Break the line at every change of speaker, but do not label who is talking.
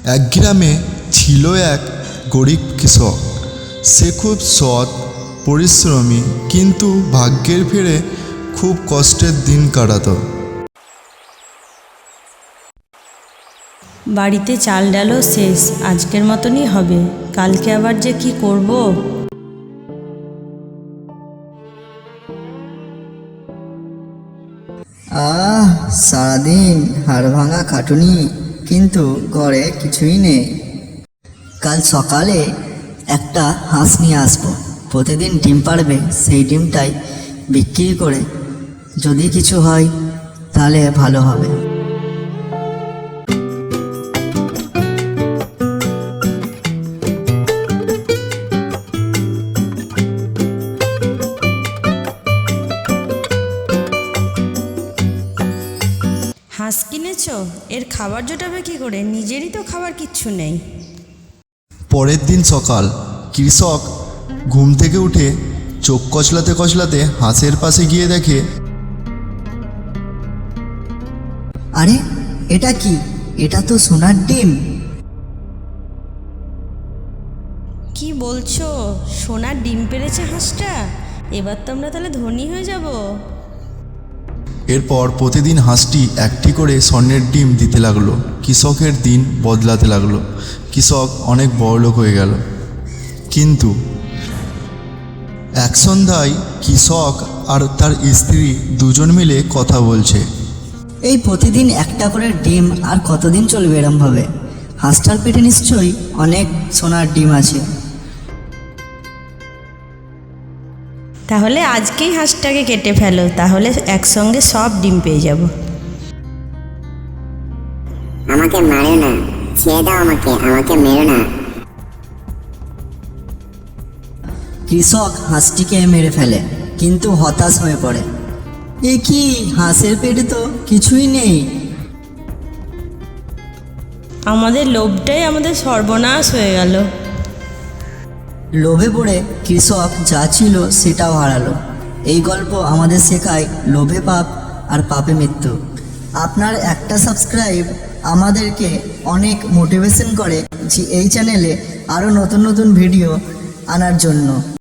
এক গ্রামে ছিল এক গরিব কৃষক। সে খুব সৎ, পরিশ্রমী, কিন্তু ভাগ্যের ফেরে খুব কষ্টের দিন কাটাতো।
বাড়িতে চাল ডালও শেষ, আজকের মতনই হবে, কালকে আবার যে কি করব।
সারাদিন হাড় ভাঙা খাটুনি, কিন্তু ঘরে কিছুই নেই। কাল সকালে একটা হাঁস নিয়ে আসবো, প্রতিদিন ডিম পাড়বে, সেই ডিমটাই বিক্রি করে যদি কিছু হয় তাহলে ভালো হবে।
হাঁস কিনেছ, এর খাবার জোটাবে কি করে? নিজেরই তো খাবার কিচ্ছু নেই।
পরের দিন সকাল, কৃষক ঘুম থেকে উঠে চোখ কচলাতে কচলাতে হাঁসের পাশে গিয়ে দেখে,
আরে এটা কি? এটা তো সোনার ডিম।
কি বলছো? সোনার ডিম পেড়েছে হাঁসটা? এবার তো আমরা তাহলে ধনী হয়ে যাব।
এরপর প্রতিদিন হাঁসটি একটি করে স্বর্ণের ডিম দিতে লাগলো। কৃষকের দিন বদলাতে লাগলো। কৃষক অনেক বড়লোক হয়ে গেল। কিন্তু এক সন্ধ্যায় কৃষক আর তার স্ত্রী দুজন মিলে কথা বলছে।
এই প্রতিদিন একটা করে ডিম আর কতদিন চলবে এরমভাবে? হাঁসটার পেটে নিশ্চয়ই অনেক সোনার ডিম আছে।
তাহলে আজকেই হাঁসটাকে কেটে ফেলো, তাহলে একসঙ্গে সব ডিম পেয়ে যাব।
আমাকে মারো না, ছেড়ে দাও আমাকে, আমাকে মেরো না।
কৃষক হাঁসটিকে মেরে ফেলে, কিন্তু হতাশ হয়ে পড়ে। এ কি, হাঁসের পেটে তো কিছুই নেই।
আমাদের লোভটাই আমাদের সর্বনাশ হয়ে গেল।
লোভে পড়ে কৃষক যা ছিল সেটাও হারালো। এই গল্প আমাদের শেখায় লোভে পাপ আর পাপে মৃত্যু। আপনার একটা সাবস্ক্রাইব আমাদেরকে অনেক মোটিভেশন করে যে এই চ্যানেলে আরও নতুন নতুন ভিডিও আনার জন্য।